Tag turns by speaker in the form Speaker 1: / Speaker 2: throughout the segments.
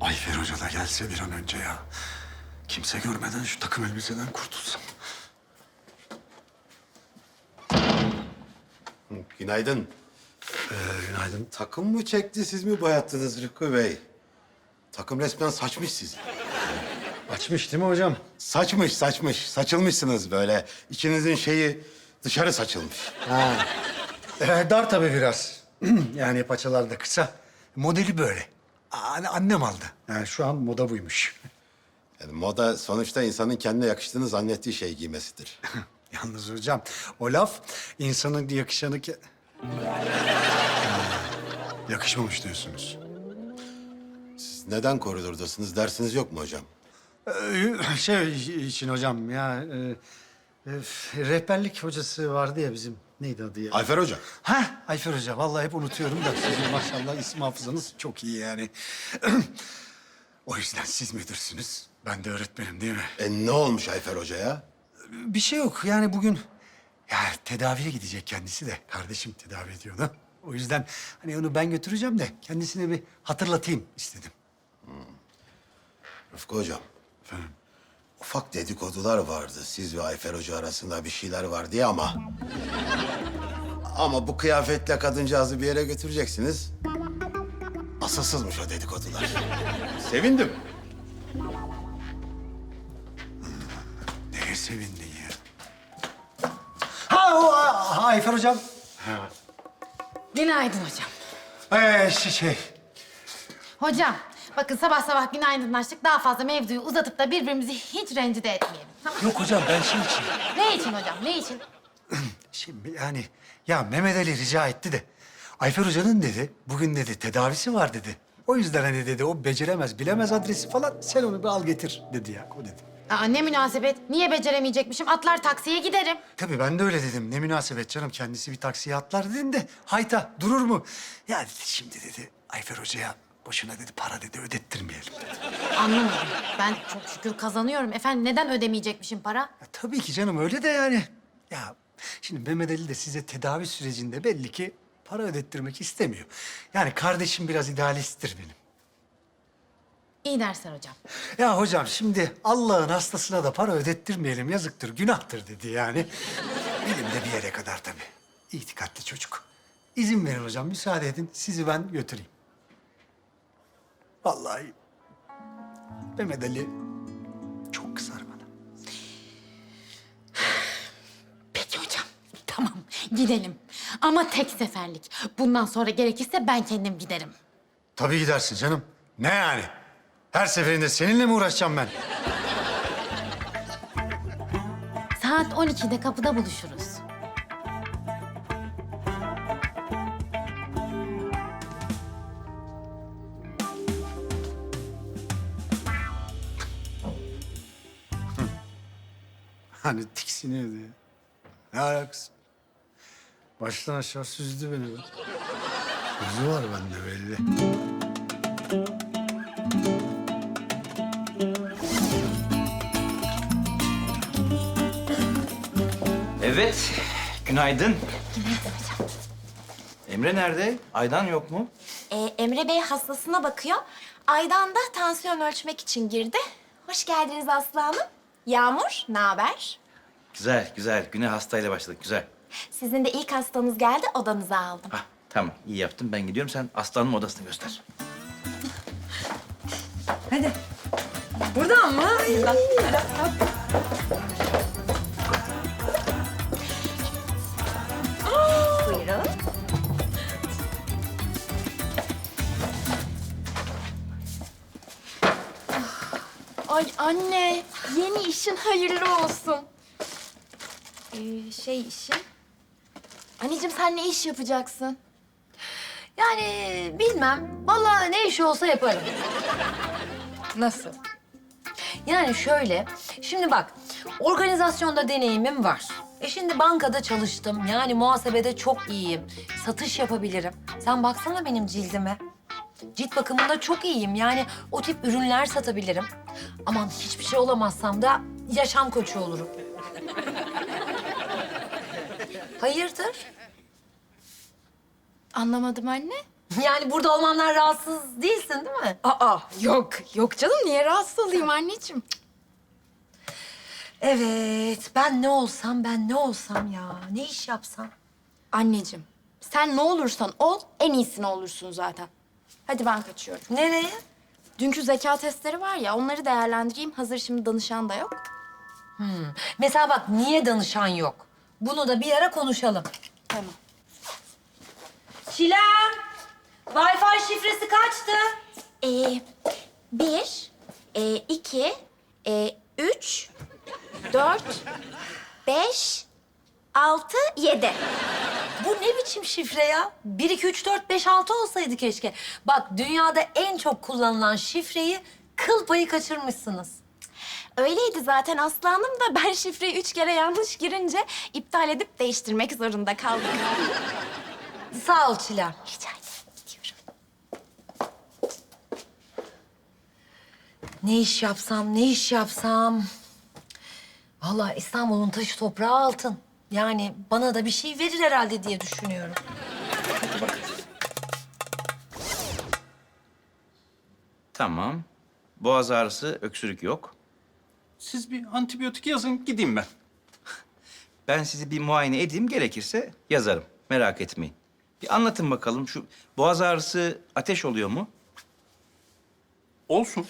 Speaker 1: Ayfer Hoca da gelse bir an önce ya. Kimse görmeden şu takım elbiseden kurtulsam.
Speaker 2: Günaydın.
Speaker 1: Günaydın.
Speaker 2: Takım mı çekti, siz mi boyattınız Rıkkı Bey? Takım resmen saçmış sizi.
Speaker 1: Açmış değil mi hocam?
Speaker 2: Saçmış, saçmış. Saçılmışsınız böyle. İçinizin şeyi dışarı saçılmış.
Speaker 1: Dar tabii biraz. Yani paçalar da kısa. Modeli böyle. Annem aldı. Yani şu an moda buymuş.
Speaker 2: Yani moda sonuçta insanın kendine yakıştığını zannettiği şey giymesidir.
Speaker 1: Yalnız hocam o laf insanın yakışanı ki... Yakışmamış diyorsunuz.
Speaker 2: Siz neden koridordasınız? Dersiniz yok mu hocam?
Speaker 1: Şey için hocam ya... rehberlik hocası vardı ya bizim. Neydi adı ya?
Speaker 2: Ayfer Hoca.
Speaker 1: Ha, Ayfer Hoca. Vallahi hep unutuyorum da sizin maşallah isim hafızanız çok iyi yani. O yüzden siz müdürsünüz. Ben de öğretmenim değil mi?
Speaker 2: Ne olmuş Ayfer Hoca'ya?
Speaker 1: Bir şey yok. Yani bugün ya tedaviye gidecek kendisi de. Kardeşim tedavi ediyordu. O yüzden hani onu ben götüreceğim de kendisine bir hatırlatayım istedim.
Speaker 2: Rıfkı Hocam.
Speaker 1: Efendim?
Speaker 2: Ufak dedikodular vardı siz ve Ayfer Hoca arasında bir şeyler var diye ama... Ama bu kıyafetle kadıncağızı bir yere götüreceksiniz. Asılsızmış o dedikodular. Sevindim.
Speaker 1: Neye sevindin ya? Ayfer Hocam.
Speaker 3: Günaydın hocam.
Speaker 1: Şey.
Speaker 3: Hocam, bakın sabah sabah günaydınlaştık. Daha fazla mevzuyu uzatıp da birbirimizi hiç rencide etmeyelim. Tamam.
Speaker 1: Yok hocam ben şey için.
Speaker 3: Ne için hocam, ne için?
Speaker 1: Şimdi yani ya Mehmet Ali rica etti de Ayfer Hoca'nın dedi bugün dedi tedavisi var dedi. O yüzden hani dedi o beceremez bilemez adresi falan sen onu bir al getir dedi ya o dedi.
Speaker 3: Aa, ne münasebet. Niye beceremeyecekmişim? Atlar taksiye giderim.
Speaker 1: Tabii ben de öyle dedim. Ne münasebet canım kendisi bir taksiye atlar dedim de hayta durur mu? Ya dedi, şimdi dedi Ayfer Hoca'ya boşuna dedi para dedi ödettirmeyelim dedi.
Speaker 3: Anlamadım. Ben çok şükür kazanıyorum. Efendim neden ödemeyecekmişim para?
Speaker 1: Ya, tabii ki canım öyle de yani. Ya şimdi Mehmet Ali de size tedavi sürecinde belli ki para ödettirmek istemiyor. Yani kardeşim biraz idealisttir benim.
Speaker 3: İyi dersler hocam.
Speaker 1: Ya hocam şimdi Allah'ın hastasına da para ödettirmeyelim yazıktır, günahtır dedi yani. Benim de bir yere kadar tabii. İtikatli çocuk. İzin verin hocam, müsaade edin. Sizi ben götüreyim. Vallahi Mehmet Ali çok kızar bana.
Speaker 3: Peki hocam. Tamam, gidelim. Ama tek seferlik. Bundan sonra gerekirse ben kendim giderim.
Speaker 1: Tabii gidersin canım. Ne yani? Her seferinde seninle mi uğraşacağım ben?
Speaker 3: Saat 12'de kapıda buluşuruz.
Speaker 1: Hani tiksiniyordu ya. Ne alakası? Baştan aşağı süzdü beni be. Gözü var bende belli.
Speaker 4: Evet, günaydın. Emre nerede? Aydan yok mu?
Speaker 5: Emre Bey hastasına bakıyor. Aydan da tansiyon ölçmek için girdi. Hoş geldiniz Aslı Hanım. Yağmur, ne haber?
Speaker 4: Güzel, güzel. Güne hastayla başladık, güzel.
Speaker 5: Sizin de ilk hastanız geldi, odanıza aldım.
Speaker 4: Hah, tamam. İyi yaptın. Ben gidiyorum. Sen Aslan'ın odasını göster.
Speaker 5: Hadi. Buradan mı? Buradan. Buyurun. Ay anne, yeni işin hayırlı olsun. İşin... Anneciğim sen ne iş yapacaksın?
Speaker 6: Yani bilmem. Vallahi ne işi olsa yaparım.
Speaker 5: Nasıl?
Speaker 6: Yani şöyle, şimdi bak, organizasyonda deneyimim var. Şimdi bankada çalıştım. Yani muhasebede çok iyiyim. Satış yapabilirim. Sen baksana benim cildime. Cilt bakımında çok iyiyim. Yani o tip ürünler satabilirim. Aman hiçbir şey olamazsam da yaşam koçu olurum. Hayırdır?
Speaker 5: Anlamadım anne.
Speaker 6: Yani burada olmamdan rahatsız değilsin değil mi?
Speaker 7: Aa, yok canım. Niye rahatsız olayım anneciğim?
Speaker 6: Evet, ben ne olsam ya? Ne iş yapsam?
Speaker 7: Anneciğim, sen ne olursan ol, en iyisini olursun zaten. Hadi ben kaçıyorum.
Speaker 6: Nereye?
Speaker 7: Dünkü zeka testleri var ya, onları değerlendireyim. Hazır şimdi danışan da yok.
Speaker 6: Mesela bak, niye danışan yok? Bunu da bir ara konuşalım.
Speaker 7: Tamam.
Speaker 6: Çilem, Wi-Fi şifresi kaçtı?
Speaker 5: 1, 2, 3, 4, 5, 6, 7.
Speaker 6: Bu ne biçim şifre ya? 1, 2, 3, 4, 5, 6 olsaydı keşke. Bak, dünyada en çok kullanılan şifreyi kıl payı kaçırmışsınız.
Speaker 5: Öyleydi zaten Aslanım da ben şifreyi 3 kere yanlış girince iptal edip değiştirmek zorunda kaldım.
Speaker 6: Sağ ol Çilem.
Speaker 5: Rica ederim. Diyorum.
Speaker 6: Ne iş yapsam? Vallahi İstanbul'un taşı toprağı altın. Yani bana da bir şey verir herhalde diye düşünüyorum.
Speaker 4: Tamam. Boğaz ağrısı, öksürük yok.
Speaker 8: Siz bir antibiyotik yazın, gideyim ben.
Speaker 4: Ben sizi bir muayene edeyim, gerekirse yazarım. Merak etmeyin. Bir anlatın bakalım, şu boğaz ağrısı ateş oluyor mu?
Speaker 8: Olsun.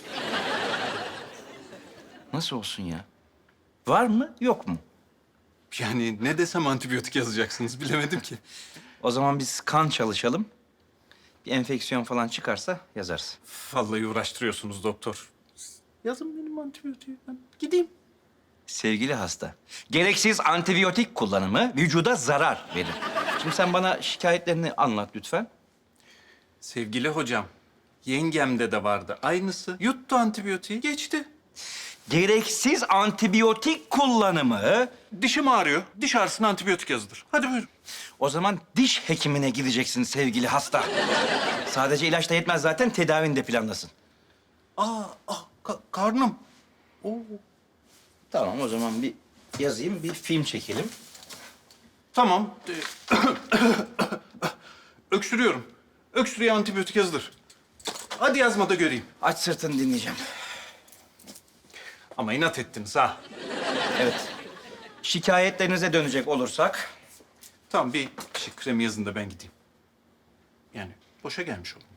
Speaker 4: Nasıl olsun ya? Var mı, yok mu?
Speaker 8: Yani ne desem antibiyotik yazacaksınız, bilemedim ki.
Speaker 4: O zaman biz kan çalışalım. Bir enfeksiyon falan çıkarsa yazarız.
Speaker 8: Vallahi uğraştırıyorsunuz doktor. Yazın benim antibiyotiği, ben gideyim.
Speaker 4: Sevgili hasta, gereksiz antibiyotik kullanımı vücuda zarar verir. Şimdi sen bana şikayetlerini anlat lütfen.
Speaker 8: Sevgili hocam, yengemde de vardı aynısı. Yuttu antibiyotiği, geçti.
Speaker 4: Gereksiz antibiyotik kullanımı...
Speaker 8: Dişim ağrıyor, diş ağrısına antibiyotik yazılır. Hadi buyurun.
Speaker 4: O zaman diş hekimine gideceksin sevgili hasta. Sadece ilaç da yetmez zaten, tedavini de planlasın.
Speaker 8: Karnım. Oo.
Speaker 4: Tamam, o zaman bir yazayım, bir film çekelim.
Speaker 8: Tamam. Öksürüyorum. Öksürüğe antibiyotik yazılır. Hadi yazma da göreyim.
Speaker 4: Aç sırtını, dinleyeceğim.
Speaker 8: Ama inat ettiniz ha.
Speaker 4: Evet. Şikayetlerinize dönecek olursak...
Speaker 8: Tamam, bir kremi yazın da ben gideyim. Yani boşa gelmiş olun.